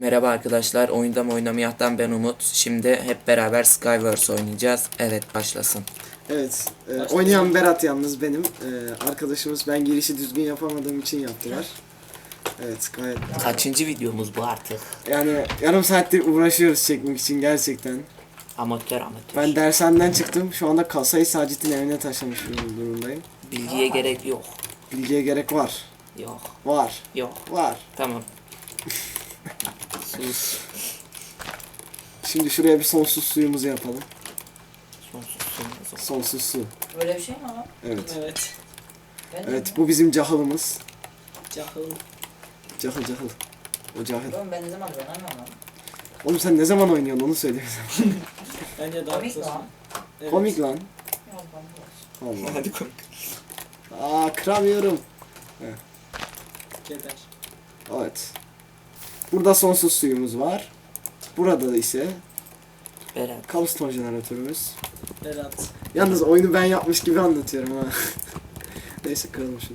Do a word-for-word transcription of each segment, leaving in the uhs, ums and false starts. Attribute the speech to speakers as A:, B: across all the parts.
A: Merhaba arkadaşlar, Oyunda mı Oynamayah'tan ben Umut. Şimdi hep beraber Skywars oynayacağız. Evet, başlasın.
B: Evet, e, oynayan Berat yalnız benim. E, arkadaşımız ben girişi düzgün yapamadığım için yaptılar. Evet, gayet.
A: Kaçıncı videomuz bu artık?
B: Yani yarım saattir uğraşıyoruz çekmek için gerçekten.
A: Amatör amatör.
B: Ben dershaneden çıktım. Şu anda kasayı Sacit'in evine taşımış durumdayım.
A: Bilgiye gerek yok.
B: Bilgiye gerek var.
A: Yok.
B: Var.
A: Yok.
B: Var.
A: Tamam. Sus.
B: Şimdi şuraya bir sonsuz suyumuzu yapalım.
A: Sonsuz sonsuz.
B: Sonsuz su.
C: Böyle bir şey mi ama?
B: Evet.
D: Evet.
C: Ben
B: Evet, bu bizim cahılımız.
D: Cahil.
B: Cahıl cahıl. O cahil.
C: Oğlum ben ne zaman oynamıyorum lan?
B: Oğlum sen ne zaman oynuyorsun onu söyle bize.
D: Bence daha
C: Komik
D: kısa.
C: lan.
D: Evet.
B: Komik lan.
C: Biraz bana olsun.
B: Allah.
A: Hadi koy.
B: Aa, kıramıyorum.
D: Geber.
B: Evet. Burada sonsuz suyumuz var. Burada ise
A: Berat.
B: kabuston jeneratörümüz.
D: Berat.
B: Yalnız oyunu ben yapmış gibi anlatıyorum ha. Neyse kıralım şunu.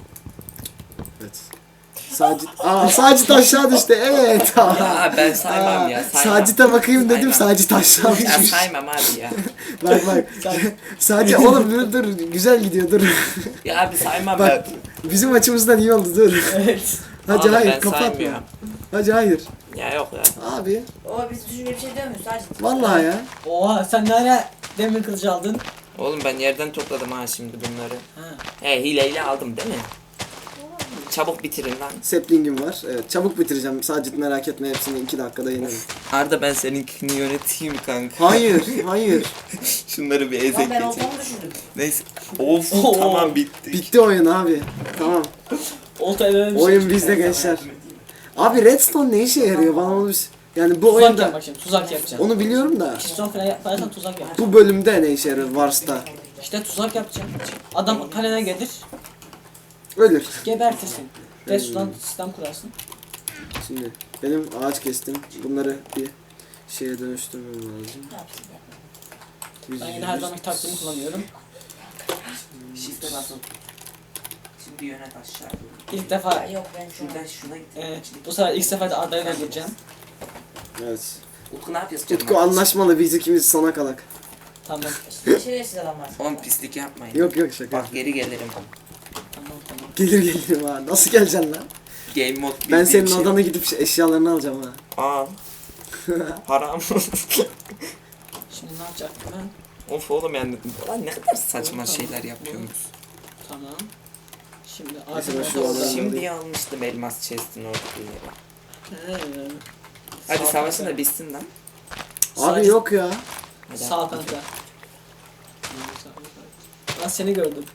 B: Evet. Sacit. Aa, Sacit aşağı düştü. Evet.
A: Ya ben saymam ya. Saymam.
B: Sacit'e bakayım dedim.
A: Saymam.
B: Sacit aşağı
A: Ya
B: düşmüş.
A: saymam abi ya.
B: Bak bak. Sacit oğlum dur dur. Güzel gidiyor dur.
A: Ya abi saymam
B: Bak
A: ben.
B: bizim açımızdan iyi oldu dur.
D: Evet.
B: Hadi
A: Abi
B: hayır
A: ben
B: kapatma.
A: saymıyorum.
B: Hadi hayır.
A: Ya yok ya.
B: Abi.
C: O biz düşünce bir şey demiyoruz sadece.
B: Vallahi ya.
D: Oha sen ne ara demir kılıcı aldın?
A: Oğlum ben yerden topladım ha şimdi bunları.
D: Ha.
A: He hileyle aldım değil mi? Çabuk bitirin lan.
B: Sapling'im var. Evet, çabuk bitireceğim. Sacit merak etme, hepsini iki dakikada yenerim.
A: Arda ben seninkini yöneteyim kanka.
B: Hayır, hayır.
A: Şunları bir ezek
C: Lan ben
A: geçeyim.
C: oltamı düşürdüm.
A: Neyse. Of
D: Oo.
A: tamam bitti.
B: Bitti oyun abi. Tamam.
D: Olta eve bir
B: Oyun
D: şey.
B: bizde gençler. Abi redstone ne işe yarıyor bana onu bir... Yani bu
D: Tuzak
B: oyunda...
D: yap bak şimdi tuzak yapacaksın.
B: Onu biliyorum da.
D: Piston falan yaparsan tuzak yapacaksın.
B: Bu bölümde ne işe yarıyor Wars'ta?
D: İşte tuzak yapacaksın. Adam kalene gelir,
B: Ölür.
D: gebertirsin. Redstone sistem kurarsın.
B: Şimdi benim ağaç kestim. Bunları bir şeye dönüştürmem lazım.
C: Ne yapsın ya?
B: Yüz-
D: Ben yine her zaman taktiğimi kullanıyorum.
A: Shift'e basın. Şimdi yönet aşağı.
D: İlk defa
C: Ya yok ben şu an.
A: Şuradan şuna git.
D: e, bu sefer ilk sefer de Arda'yı öldüreceğim.
B: Evet.
A: Utku ne yapıyorsun?
B: Utku anlaşmalı, biz ikimiz sona kalak.
D: Tamam.
C: Şerefsiz adam var.
A: Oğlum pislik yapmayın.
B: Yok yok şaka.
A: Bak geri gelirim.
D: Tamam tamam.
B: Gelir gelirim ha. Nasıl geleceksin lan?
A: Game mode
B: Ben
A: bildiğim
B: senin
A: şey.
B: odana gidip şey- eşyalarını alacağım ha.
A: Al. Haram.
D: Şimdi ne yapacaktım ben?
A: Of oğlum yani. Lan ne kadar saçma şeyler yapıyorsunuz.
D: Tamam. Şimdi
B: Mesela
D: Arda'yı
B: şu
D: öldüreceğim.
B: alanı-
A: Şimdi almıştım elmas chest'in ortaya.
D: He.
A: Hadi
D: Sağ
A: savaşın
D: kanka.
A: da bitsin lan.
B: Abi
D: Sadece-
B: yok ya.
A: Hadi
D: Sağ
A: abi.
D: kanka. Ben seni gördüm.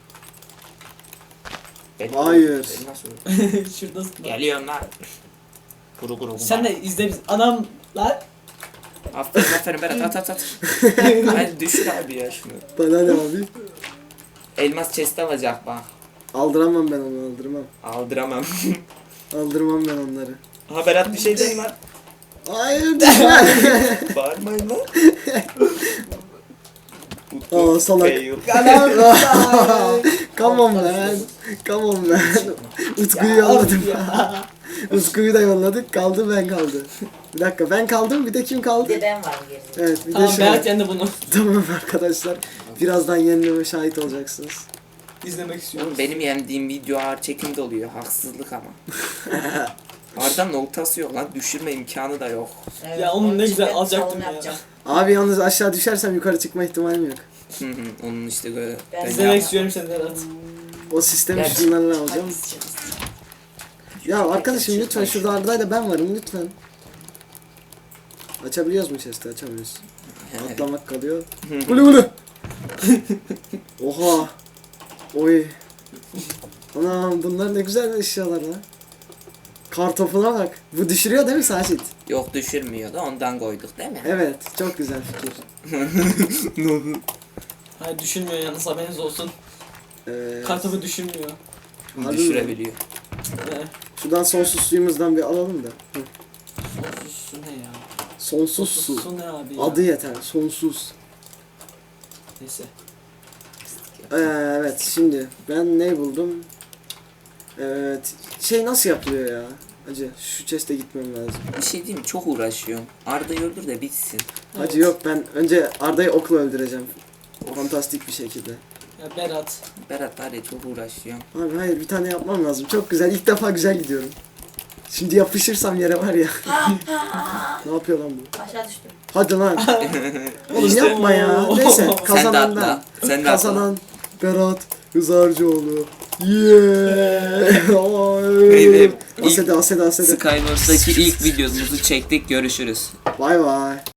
A: Beni-
B: Hayır.
A: beni nasıl öldürdün?
D: Şuradasın.
A: Geliyorum lan. Kuru kuru.
D: Sen de izle biz. Adam lan.
A: Aferin aferin Berat at at at. Hadi düşür abi ya şunu.
B: Bana ne abi?
A: Elmas chest alacak bak.
B: Aldıramam ben onu, aldırmam.
A: Aldıramam.
B: Aldırmam ben onları.
A: Ha Berat bir şey değil lan.
B: Hayır düşme.
A: Bağırmayın lan.
B: Aa salak.
A: Fail.
B: Come on man. Come on man. Utku'yu yolladım.
D: Ya.
B: Utku'yu da yolladık. Kaldı ben kaldı. Bir dakika ben kaldım, bir de kim
C: Bir
B: kaldı?
C: de ben varım gerisi.
B: Evet bir
D: Tamam
B: de şu.
D: Berat yendi bunu.
B: Tamam arkadaşlar. Birazdan yenileme şahit olacaksınız.
D: İzlemek istiyorum.
A: Oğlum benim yendiğim video ağır çekimde oluyor. Haksızlık ama. Arda'nın noktası yok lan. Düşürme imkanı da yok.
C: Evet,
D: Ya onun ne
C: için
D: güzel
C: ben
D: alacaktım
C: salon
D: ya.
C: yapacağım.
B: Abi yalnız aşağı düşersem yukarı çıkma ihtimalim yok.
A: Hı hı, Onun işte böyle.
C: Ben
A: ben
D: İzlemek
A: yap-
D: istiyorum seni Berat.
B: O sistemi
A: Gerçi-
B: şunlarla alacağım. Ya arkadaşım lütfen şurada Arda'yla ben varım lütfen. Açabiliyoruz mu chest'i? Açamıyoruz.
A: Evet.
B: Atlamak kalıyor. Gulu gulu. Oha. Oy. Anam bunlar ne güzel eşyalar lan. Kartopuna bak. Bu düşürüyor değil mi Sacit?
A: Yok düşürmüyor da ondan koyduk değil mi?
B: Evet. Çok güzel fikir.
D: Hayır düşünmüyor yalnız haberiniz olsun.
B: Ee,
D: Kartopu düşünmüyor.
B: harbi mi?
A: Düşürebiliyor.
D: Ne?
B: Şuradan sonsuz suyumuzdan bir alalım da. Hı.
D: Sonsuz su ne ya?
B: Sonsuz su.
D: Su ne abi ya?
B: Adı yeter. Sonsuz.
D: Neyse.
B: Ee, evet şimdi ben ne buldum? Evet. Şey nasıl yapılıyor ya? Hacı şu chest'e gitmem lazım.
A: Bir şey diyeyim mi? Çok uğraşıyorum. Arda'yı öldür de bitsin.
B: Hacı yok, ben önce Arda'yı okla öldüreceğim. Fantastik bir şekilde.
D: Ya Berat.
A: Berat var ya, çok uğraşıyorum.
B: Abi hayır, bir tane yapmam lazım. Çok güzel, ilk defa güzel gidiyorum. Şimdi yapışırsam yere var ya. Ne yapıyor lan bu?
C: Aşağı düştüm.
B: Hadi lan. Oğlum
A: İşte-
B: yapma ya. Neyse
A: Sen de
B: kazanan ben.
A: atla. Sen de atla.
B: Kazanan Berat Hızarcıoğlu. Yeah.
A: Beyler,
B: Asede asede asede.
A: Skywars'daki ilk videomuzu çektik. Görüşürüz.
B: Bay bay.